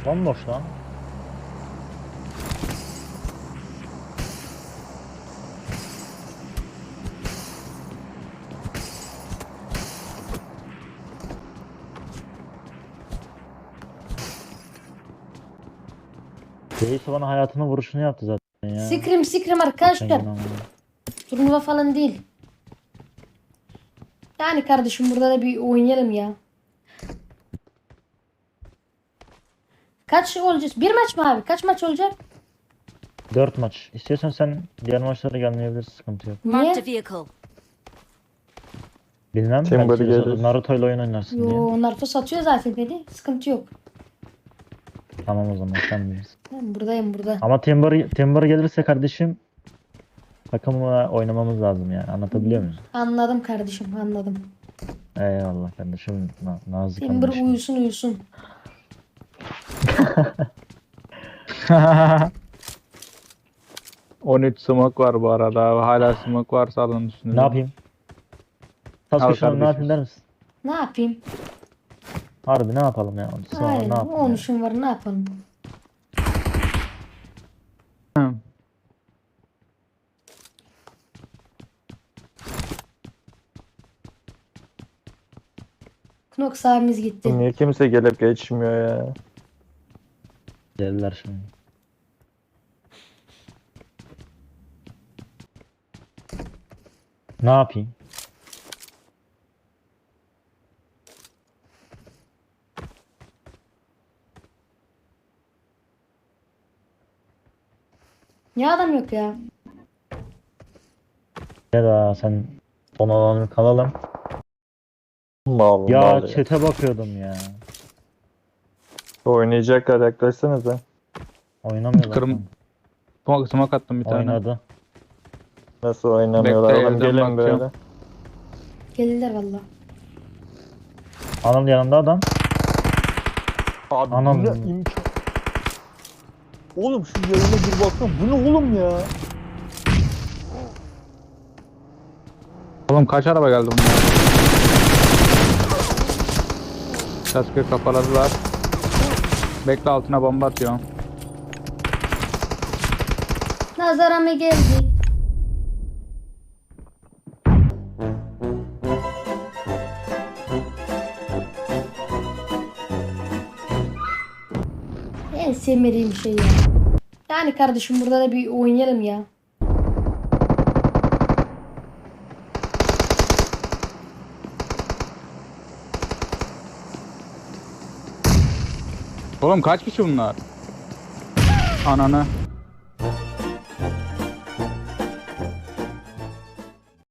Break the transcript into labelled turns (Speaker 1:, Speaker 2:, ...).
Speaker 1: Bomboş lan. Reis bana hayatının vuruşunu yaptı zaten ya.
Speaker 2: Sikrim arkadaşlar.
Speaker 1: Aynen.
Speaker 2: Turnuva falan değil. Yani kardeşim burada da bir oynayalım ya. Kaç olacağız? Bir maç mı abi? Kaç maç olacak?
Speaker 1: 4 maç. İstiyorsan sen diğer maçlara gelmeyebilirsin, sıkıntı yok.
Speaker 3: Marked a
Speaker 2: Niye?
Speaker 3: vehicle.
Speaker 1: Bilmem,
Speaker 4: Timber
Speaker 1: belki
Speaker 4: gelir.
Speaker 1: Naruto ile oyun oynarsın diye.
Speaker 2: Yo, Naruto satıyor zaten dedi. Sıkıntı yok.
Speaker 1: Tamam o zaman sen bilirsin.
Speaker 2: Ben buradayım burada.
Speaker 1: Ama Timber gelirse kardeşim takımla oynamamız lazım yani. Anlatabiliyor muyum?
Speaker 2: Anladım kardeşim, anladım.
Speaker 1: Eyvallah kardeşim. Nazik
Speaker 2: Timber
Speaker 1: kardeşim.
Speaker 2: uyusun.
Speaker 4: 13 smoke var bu arada. Hala smoke varsa alın üstünüze.
Speaker 1: Ne yapayım?
Speaker 4: Al
Speaker 1: Sasuke şu an ne
Speaker 4: kardeşim.
Speaker 1: yapayım der misin?
Speaker 2: Ne yapayım?
Speaker 1: Harbi ne yapalım ya? Sonra
Speaker 2: Aynen.
Speaker 1: ne yapalım?
Speaker 2: 13'üm var, ne yapalım? Knox abimiz gitti.
Speaker 4: Niye kimse gelip geçmiyor ya?
Speaker 1: Geldiler şimdi. Ne yapayım?
Speaker 2: Niye adam yok ya?
Speaker 1: Ya da sen son alanı kalalım.
Speaker 4: Mal
Speaker 1: Ya
Speaker 4: mal ya.
Speaker 1: chat'e bakıyordum ya.
Speaker 4: Oynayacaklar, yaklaşsanıza.
Speaker 1: Oynamıyorlar.
Speaker 4: Kırm- Smoke attım bir tane.
Speaker 1: Oynadı.
Speaker 4: Nasıl oynamıyorlar Bekle, oğlum, evden gelin bakacağım. böyle.
Speaker 2: Geldiler valla.
Speaker 1: Anıl yanında adam.
Speaker 4: Abi
Speaker 1: Anam.
Speaker 4: bu ne imkan? Oğlum şu yayına bir baksana, bu ne oğlum ya? Oğlum kaç araba geldi bunlar? Sasuke kafaladılar. Bekle, altına bomba atıyorum.
Speaker 2: Nazara mı geldi? En sevmediğim şey ya. Yani kardeşim burada da bir oynayalım ya.
Speaker 4: Oğlum kaç kişi bunlar? Ananı.